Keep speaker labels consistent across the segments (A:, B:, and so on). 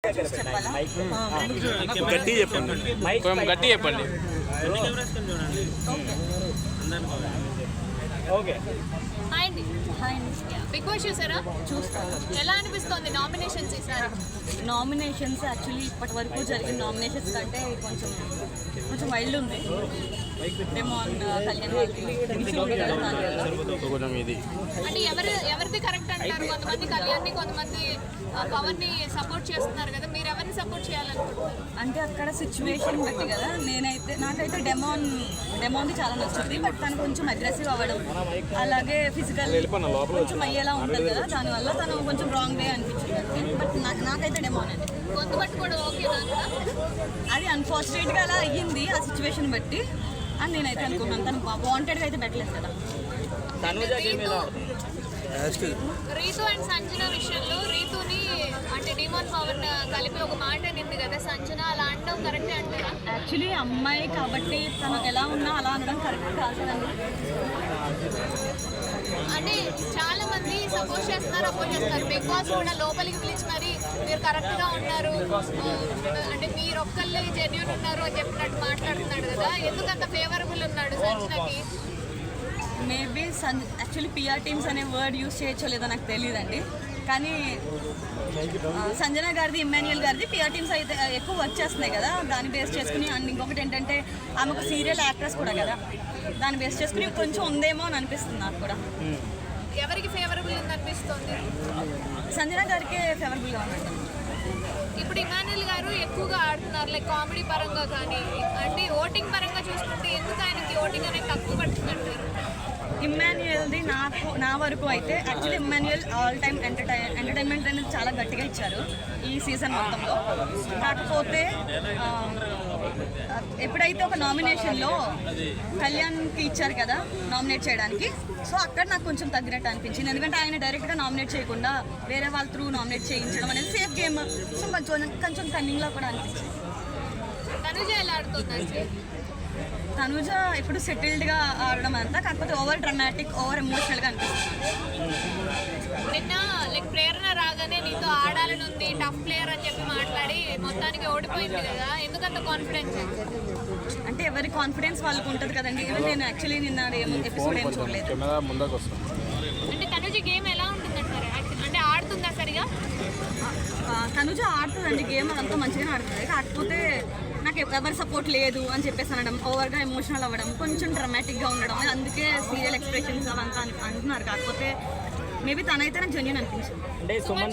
A: చూసి చెప్పాలా?
B: గట్టి చెప్పండి, గట్టి చెప్పండి.
C: ఓకే.
A: హాయ్ అండి. బిగ్ బాస్ చూసారా?
C: చూస్తాను.
A: ఎలా అనిపిస్తుంది నామినేషన్స్ ఈసారి?
C: నామినేషన్స్ యాక్చువల్లీ ఇప్పటి వరకు జరిగిన నామినేషన్స్ కంటే కొంచెం వైల్డ్ ఉంది. డెమాన్ కళ్యాణ్
A: అంటే ఎవరిది కరెక్ట్ అంటారు? కొంతమంది కళ్యాణ్ని, కొంతమంది పవన్ ని సపోర్ట్ చేస్తున్నారు కదా, మీరు ఎవరిని సపోర్ట్ చేయాలనుకుంటున్నారు?
C: అంటే అక్కడ సిచ్యువేషన్ బట్టి కదా. నాకైతే డెమాన్ది చాలా నచ్చుతుంది. బట్ తను కొంచెం అగ్రెసివ్ అవ్వడం, అలాగే ఫిజికల్ కొంచెం అయ్యేలా ఉంటుంది కదా, దానివల్ల తను కొంచెం రాంగ్ వే అనిపించింది. బట్ నాకైతే డెమాన్ అండి.
A: గొంతు బట్టి కూడా ఓకే.
C: అది అన్ఫార్చునేట్గా అలా అయ్యింది ఆ సిచ్యువేషన్ బట్టి అని నేనైతే అనుకున్నాను. తను వాంటెడ్గా అయితే పెట్టలేదు కదా.
A: రీతు అండ్ సంజన విషయంలో రీతుని అంటే డిమాన్ పవన్ కలిపి ఒక మాట నింది కదా సంజన, అలా అనడం కరెక్టే అంటారా?
C: యాక్చువల్లీ అమ్మాయి కాబట్టి తను ఎలా ఉన్నా అలా అనడం కరెక్ట్ కాదు కదండి.
A: అంటే చాలా మంది సపోర్ట్ చేస్తున్నారు, అపోజ్ చేస్తున్నారు. బిగ్ బాస్ కూడా లోపలికి పిలిచి మరి మీరు కరెక్ట్ గా ఉన్నారు, అంటే మీరు ఒక్కళ్ళే జెన్యూన్ ఉన్నారు అని చెప్పినట్టు మాట్లాడుతున్నాడు కదా, ఎందుకంత ఫేవరబుల్ ఉన్నాడు సంజనకి?
C: మేబీ యాక్చువల్లీ పిఆర్ టీమ్స్ అనే వర్డ్ యూస్ చేయొచ్చో లేదో నాకు తెలియదండి. కానీ సంజన గారిది, ఇమ్మాన్యుయల్ గారిది పిఆర్ టీమ్స్ అయితే ఎక్కువ వర్క్ చేస్తున్నాయి కదా, దాన్ని బేస్ చేసుకుని. అండ్ ఇంకొకటి ఏంటంటే ఆమె ఒక సీరియల్ యాక్ట్రెస్ కూడా కదా, దాన్ని బేస్ చేసుకుని కొంచెం ఉందేమో అని అనిపిస్తుంది నాకు కూడా.
A: ఎవరికి ఫేవరబుల్ ఉంది అనిపిస్తుంది?
C: సంజన గారికే ఫేవరబుల్గా ఉందండి.
A: ఇప్పుడు ఇమాన్యుయల్ గారు ఎక్కువగా ఆడుతున్నారు, లైక్ కామెడీ పరంగా కానీ, అంటే ఓటింగ్ పరంగా చూసుకుంటే ఎందుకు ఆయనకి ఓటింగ్ అనేది తక్కువ పడుతుందంటారు?
C: ఇమ్మాన్యుయల్ది నా వరకు అయితే actually Immanuel all time entertainment అనేది చాలా గట్టిగా ఇచ్చారు ఈ సీజన్ మొత్తంలో. కాకపోతే ఎప్పుడైతే ఒక నామినేషన్లో కళ్యాణ్కి ఇచ్చారు కదా నామినేట్ చేయడానికి, సో అక్కడ నాకు కొంచెం తగ్గినట్టు అనిపించింది. ఎందుకంటే ఆయన డైరెక్ట్గా నామినేట్ చేయకుండా వేరే వాళ్ళ త్రూ నామినేట్ చేయించడం అనేది సేఫ్ గేమ్. సో కొంచెం కన్నింగ్లా కూడా అనిపించింది.
A: తనుజ ఎలా ఆడుతుంది?
C: తనుజ ఇప్పుడు సెటిల్డ్గా ఆడడం అంతా, కాకపోతే ఓవర్ డ్రమాటిక్, ఓవర్ ఎమోషనల్గా అనిపిస్తుంది.
A: నిన్న లైక్ ప్రేరణ రాగానే నీతో ఆడాలని ఉంది, టఫ్ ప్లేయర్ అని చెప్పి మాట్లాడి మొత్తానికి ఓడిపోయింది కదా, ఎందుకంత కాన్ఫిడెన్స్?
C: అంటే ఎవరి కాన్ఫిడెన్స్ వాళ్ళకు ఉంటుంది కదండి. ఈవెన్ నేను యాక్చువల్లీ నిన్న ఎపిసోడ్ ఏం చూడలేదు.
A: అంటే తనుజ గేమ్ ఎలా ఉంటుందంటారు? అంటే ఆడుతుందా సరిగా?
C: తనుజ ఆడుతుందండి గేమ్, అదంతా మంచిగానే ఆడుతుంది. కాకపోతే నాకు ఎవరి సపోర్ట్ లేదు అని చెప్పేసి అనడం, ఓవర్గా ఎమోషనల్ అవ్వడం, కొంచెం డ్రమాటిక్గా ఉండడం, అందుకే సీరియల్ ఎక్స్ప్రెషన్స్ అవంతా అంటున్నారు. కాకపోతే మేబీ తనైతే నాకు జెన్యూన్ అనిపించింది.
A: సుమన్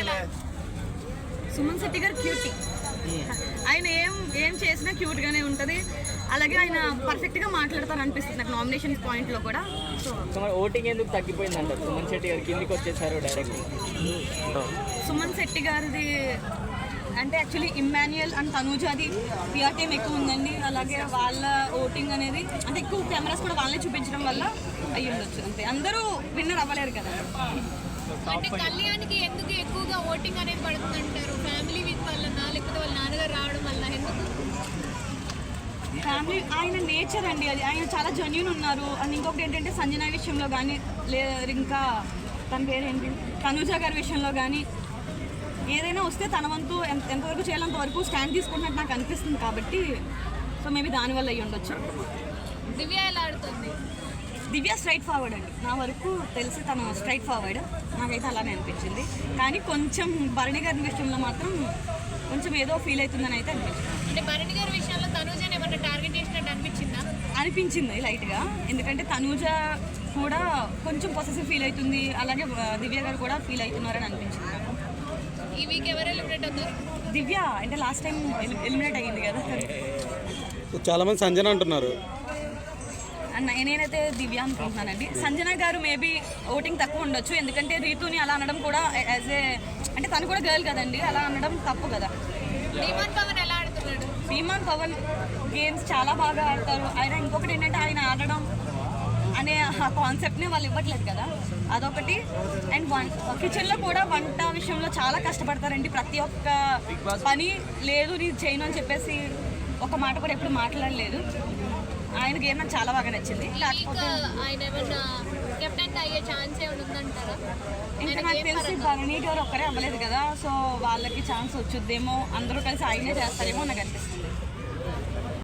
C: శెట్టి గారు క్యూటీ. ఆయన ఏం చేసినా క్యూట్గానే ఉంటుంది. అలాగే ఆయన పర్ఫెక్ట్గా మాట్లాడతారు అనిపిస్తుంది నాకు నామినేషన్ పాయింట్లో కూడా.
D: సో ఓటింగ్ ఎందుకు తగ్గిపోయింది అంటారు? సుమన్ శెట్టి గారు కిందికి వచ్చేసారు డైరెక్ట్.
C: సుమన్ శెట్టి గారిది అంటే యాక్చువల్లీ ఇమ్మాన్యుయల్ అండ్ తనూజాది పిఆర్ టీమ్ ఎక్కువ ఉందండి. అలాగే వాళ్ళ ఓటింగ్ అనేది అంటే ఎక్కువ కెమెరాస్ కూడా వాళ్ళే చూపించడం వల్ల అయ్యి ఉండొచ్చు. అంతే, అందరూ విన్నర్ అవ్వలేరు కదా.
A: అంటే కళ్యాణ్కి ఎందుకు ఎక్కువగా ఓటింగ్ అనేది పడుతుందంటారు? ఫ్యామిలీ వీక్ వల్ల, లేకపోతే వాళ్ళ నాన్నగారు రావడం వల్ల? ఎందుకు?
C: ఫ్యామిలీ, ఆయన నేచర్ అండి అది. ఆయన చాలా జెన్యూన్ ఉన్నారు. అండ్ ఇంకొకటి ఏంటంటే సంజన విషయంలో కానీ, లేదు ఇంకా తన పేరేంటి తనూజ గారి విషయంలో కానీ ఏదైనా వస్తే తన వంతు ఎంతవరకు చేయాలంత వరకు స్టాండ్ తీసుకుంటున్నట్టు నాకు అనిపిస్తుంది. కాబట్టి సో మేబీ దానివల్ల అయ్యి ఉండొచ్చు.
A: దివ్య ఎలా ఆడుతుంది?
C: దివ్య స్ట్రైట్ ఫార్వర్డ్ అండి. నా వరకు తెలిసి తను స్ట్రైట్ ఫార్వర్డ్, నాకైతే అలానే అనిపించింది. కానీ కొంచెం భరణి గారి విషయంలో మాత్రం కొంచెం ఏదో ఫీల్ అవుతుందని అయితే అనిపించింది.
A: అంటే భరణి గారి విషయంలో తనూజని ఏమన్నా టార్గెట్ చేసినట్టు
C: అనిపించింది లైట్గా. ఎందుకంటే తనూజ కూడా కొంచెం పొసెసివ్ ఫీల్ అవుతుంది, అలాగే దివ్య గారు కూడా ఫీల్ అవుతున్నారని అనిపించింది.
A: ఈ వీక్ ఎవరు ఎలిమినేట్ అవుతారు?
C: దివ్య అంటే లాస్ట్ టైం ఎలిమినేట్ అయ్యింది కదా.
B: చాలా మంది సంజన అంటున్నారు.
C: నేనైతే దివ్య అనుకుంటున్నానండి. సంజన గారు మేబీ ఓటింగ్ తక్కువ ఉండొచ్చు, ఎందుకంటే రీతుని అలా అనడం కూడా యాజ్ ఏ అంటే తను కూడా గర్ల్ కదండి, అలా అనడం తప్పు కదా.
A: డిమాన్ పవన్ ఎలా ఆడుతున్నాడు?
C: డిమాన్ పవన్ గేమ్స్ చాలా బాగా ఆడతారు. ఆయన ఇంకొకటి ఏంటంటే ఆయన ఆడడం అనే ఆ కాన్సెప్ట్ని వాళ్ళు ఇవ్వట్లేదు కదా, అదొకటి. అండ్ కిచెన్లో కూడా వంట విషయంలో చాలా కష్టపడతారండి. ప్రతి ఒక్క పని లేదు నీ చేయను అని చెప్పేసి ఒక మాట కూడా ఎప్పుడు మాట్లాడలేదు. ఆయన గేమ్ నాకు చాలా బాగా నచ్చింది.
A: ఆయన ఏమన్నా కంటెంట్ అయ్యే ఛాన్స్ ఏమైనా ఉందంటారా?
C: ఇంకా నాకు తెలిసి భరణి గారు ఒక్కరే అవ్వలేదు కదా, సో వాళ్ళకి ఛాన్స్ వచ్చుద్దేమో, అందరూ కలిసి ఆయనే చేస్తారేమో నాకు అనిపిస్తుంది.